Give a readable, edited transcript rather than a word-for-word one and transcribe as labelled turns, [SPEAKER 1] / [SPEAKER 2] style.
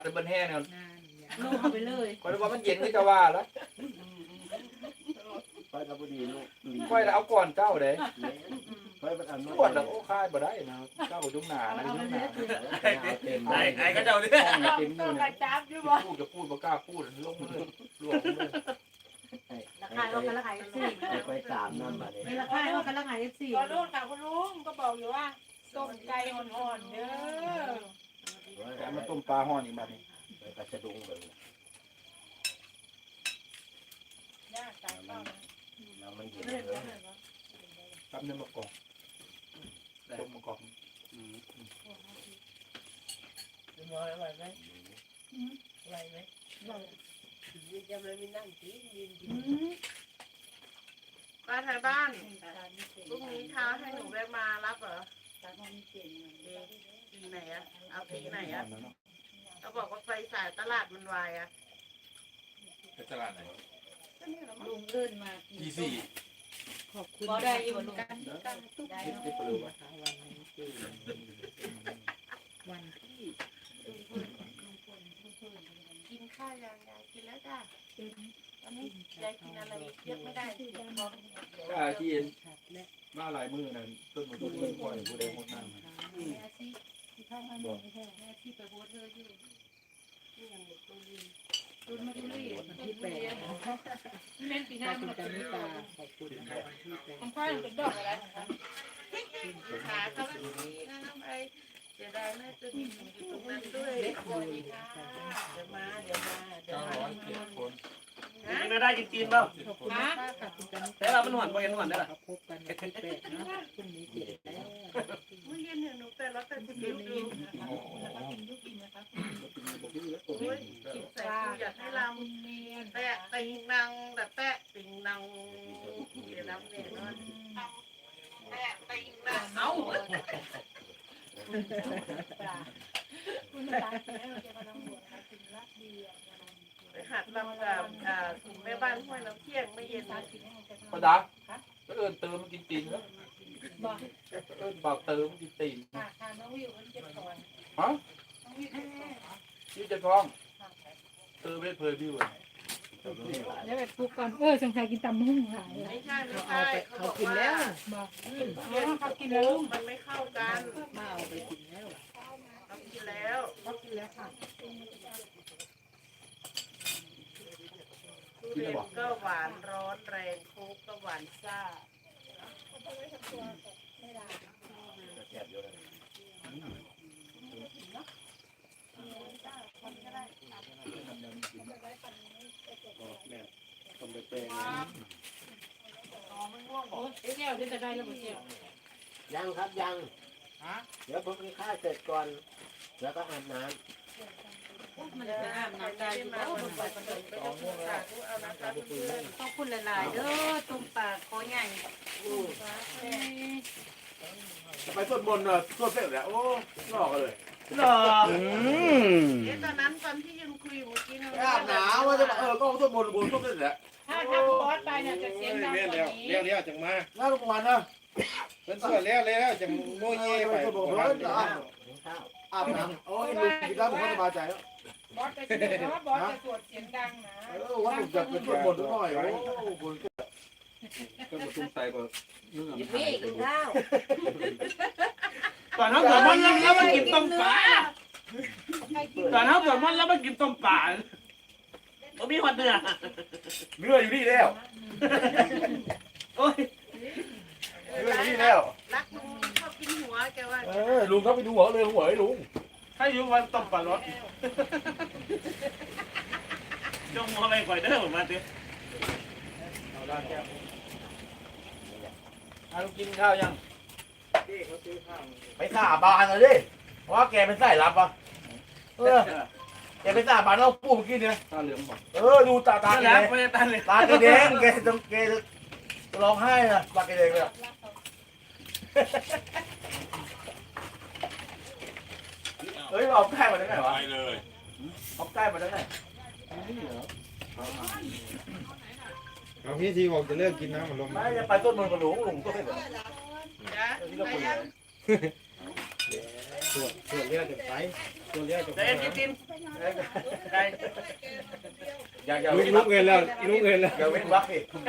[SPEAKER 1] จะเป็นแห้งเนี่ย
[SPEAKER 2] ลงเอาไปเลย
[SPEAKER 1] คอยว่ามันเย็นนี่จะว่าแล้ว
[SPEAKER 3] ไปกับพอดีลูก
[SPEAKER 1] คอยเอาก่อนเจ้าเด้
[SPEAKER 3] ไปเป็นอัน
[SPEAKER 1] ปวดแล้วโอ้ค่ายบ่ได้นะเจ้ายุ่งหนานะยุ่งหนา
[SPEAKER 3] เต็ม
[SPEAKER 4] ไอ้ก็เจ้าเนี่ย
[SPEAKER 1] เต็มอยู่เนี่ยพูดจะพูดบ่กล้าพูดลงเลยลวกเลย
[SPEAKER 2] ราคาว่ากันราคาสี่
[SPEAKER 3] ไปตามน้ำมาเลย
[SPEAKER 2] ไม่ราคาว่ากันราคาสี่
[SPEAKER 5] ก็ลูกค่ะคุณลุงก็บอกอยู่ว่าต้มไก่อ่อนๆเด้อ
[SPEAKER 1] แต่มาต้มปลาห่อนี่บัดนี้
[SPEAKER 3] ไปกระชดุงเลย
[SPEAKER 5] ย่าไก่เข้านะ
[SPEAKER 3] น้ำมันเย็น
[SPEAKER 5] เล่น
[SPEAKER 3] เล
[SPEAKER 5] เล่
[SPEAKER 3] ย
[SPEAKER 5] นเล่น
[SPEAKER 1] ทำเนื้อมะกอกต้มมะกอก
[SPEAKER 5] จะมองอะไรไหมอะไรไหมจะไม่มีนั่งกินยืนกิน
[SPEAKER 6] ป้าไทยบ้านพรุ่งนี้เช้าให้หนูแวะมารับเหรอตีไหนอะเอาตีไหนอะเขาบอกว่าไฟสายตลาดมันวายอะ
[SPEAKER 1] เป็นตลาดไหน
[SPEAKER 2] ลุงเดินมา
[SPEAKER 1] ที่สี่
[SPEAKER 2] ขอบคุณได้อยู่ลุงกัน
[SPEAKER 1] ที่ปลือวะ
[SPEAKER 2] วันที่
[SPEAKER 6] กินข้าวยังยายกินแล้วจ้ะตอนนี้ยายกินอะไรเยอะไม่ได้เดี๋ยวท้อง
[SPEAKER 1] ก็ที่มาหลายมือนั่นต้นมะม่วงต้นกล้วยผู้ใดหมดนั่น
[SPEAKER 2] ที่เข้ามาไม่ใช่แม่ที่ไปโพสเธออยู่ตุนมาตุลีวันที่8เล่นปีหน้าคุณกันนิตาขอบคุณนะคะวันที่8
[SPEAKER 5] ของข้าวเป็นดอกอะไรคะ
[SPEAKER 6] ขาเขาแบบนี้นะน้ำไอเสียดายแม่จะมีอยู่ตรงนั้นด้วย
[SPEAKER 2] เล็ก
[SPEAKER 6] ข
[SPEAKER 2] บุ
[SPEAKER 6] อบ
[SPEAKER 2] ญ
[SPEAKER 6] คุณค่ะเดี๋ยวมาเดี๋ยวมาเดี๋ยว
[SPEAKER 1] เก้า
[SPEAKER 6] มา
[SPEAKER 1] ร้อยเจ็ดคน
[SPEAKER 4] ไม่ได้จริงๆเปล่า
[SPEAKER 2] ขอบคุณนะคะขอบคุณกันนิตา
[SPEAKER 4] แต่เรามันหวนไปกันหวนได้หรอ
[SPEAKER 2] พบกันวันที่8นะพรุ่งนี้7แล้ว
[SPEAKER 6] เมื่อเย็นเนี่ยหนูไปรับแต่คุณดูดูโอ้ยกินใส่กูอยากให้ลำแปะติงนังแต่แปะติงนังเดี๋ยวน้ำเนี่ยนะแปะติงนังเอาไปหัดลำกับกลุ่มแม่บ้านห้วยน้ำเที่ยงไม่เย็นนะ
[SPEAKER 1] ประดาก็เอิญเติมมันกินตีนแล้วเอิญบอกเติมมันกินตีน
[SPEAKER 5] ค่ะค่ะน้องวิวมันเจ็บคอ
[SPEAKER 1] ฮะ
[SPEAKER 5] น้องวิวเจ็บคอ
[SPEAKER 1] ยี่จะท้องเติมไม่เพยพี่เว้ย
[SPEAKER 5] เดี๋ยวไปปลุกก่อนสงสัยกินตำหุ่งหาย
[SPEAKER 6] ไม่ใช่ไม่ใช่เขากิน
[SPEAKER 2] แล้ว
[SPEAKER 5] บอกเขากินแล้ว
[SPEAKER 6] มันไม่เข้ากัน
[SPEAKER 2] มาเอาไปกินแล้ว
[SPEAKER 6] เขากินแล้ว
[SPEAKER 5] เขากินแล้วค่ะ
[SPEAKER 6] ทุเรียนก็หวานร้อนแรงโค้กก็หวานซ่า
[SPEAKER 3] แซ่บเยอะเลยแม่ต้องไปเป็น
[SPEAKER 5] เอ๊ะแล้วจะได้แล้วบ่เจ้า
[SPEAKER 3] ยังครับยังเดี๋ยวผมกินข้าวเสร็จก่อนแล้วก็อาบน้
[SPEAKER 2] มันจะอาบน้ำได้อยู่บ่
[SPEAKER 6] ไปประตูไปเอาน้ำตาลเอาน้ำตาลเพื่อน
[SPEAKER 2] ขอบคุณหลายๆเด้อตุ้มปากคอใหญ่
[SPEAKER 7] ไปต้นบนเนอะต้นเสร็จแล้วโอ้หลอกเลย
[SPEAKER 4] หรอ
[SPEAKER 6] เอ๊ะตอนนั้นตอนที่ยังคุยเมื่อกี้นะ
[SPEAKER 7] อาบหนาวว่าจะก็ต้นบนต้นเสร็จแล้ว
[SPEAKER 5] ถ้าบอสไปเนี่ยจะเสียงดังกว่านี้
[SPEAKER 7] เลี้ยวจังมาน่าทุกวันนะเป็นส่วนแล้วจังโมเย่ไป
[SPEAKER 3] ำกินข้าว
[SPEAKER 7] อาบน้ำโอ้ยลูกกินแล้วผมก็สบายใจแล้ว
[SPEAKER 5] บอสจะเสียงบอสจะสวดเสียงดังนะ
[SPEAKER 7] ว่าผมจะเป็นต้นบนหน่อยโอ้บน
[SPEAKER 1] ก็มาตุ้มใส่ก็เนื้อ
[SPEAKER 2] พี่กินข้าว
[SPEAKER 4] ตอนนั้นสวดมนต์แล้วมากินต้มปลาตอนนั้นสวดมนต์แล้วมากินต้มปลาผมมีความเดือด
[SPEAKER 7] เนื้ออยู่นี่แล้ว
[SPEAKER 4] โอ้ย
[SPEAKER 7] เนื้ออยู่นี่แล้ว
[SPEAKER 6] รักลุงชอบกินหัวแกว่า
[SPEAKER 7] ลุงเขาไปดูหัวเลยหัวไอ้ลุง
[SPEAKER 4] ถ้าอยู่วันต้มปลารสจงมองอะไรก่อยเด้อผมมาเถอะ
[SPEAKER 1] ลูกกินข้าวยัง
[SPEAKER 7] ไปสาบานเลยดิว่าแกเป็นสายลับอ่ะแกเป็นสาบานเราปูเมื่อกี้เนี่ย
[SPEAKER 1] ตาเหลืองบอก
[SPEAKER 7] ดูตา
[SPEAKER 4] ตา
[SPEAKER 7] แก
[SPEAKER 4] แล้ว
[SPEAKER 7] แดง
[SPEAKER 4] ไม่ได้ตาเลย
[SPEAKER 7] ตาแกแดงแกจะร้องไห้นะตาแกแดงเลยเฮ้ยเอาใกล้มาได้ไงวะเอาใกล้มาได้ไง
[SPEAKER 8] เอาพี่ทีบอกจะเลิกกินน้ำมันลม
[SPEAKER 7] ไม่จะไปต้นมันกับหลวงต้นเลย
[SPEAKER 6] จ้ะไปยัง
[SPEAKER 8] ตรวจเลือดจะไปตรวจเลือดจะไป
[SPEAKER 4] แต่เอ็นกิน
[SPEAKER 7] อย่า
[SPEAKER 8] ลุกเงินแล้วลุกเงินแล้ว
[SPEAKER 7] อย่าเว้นวักสิ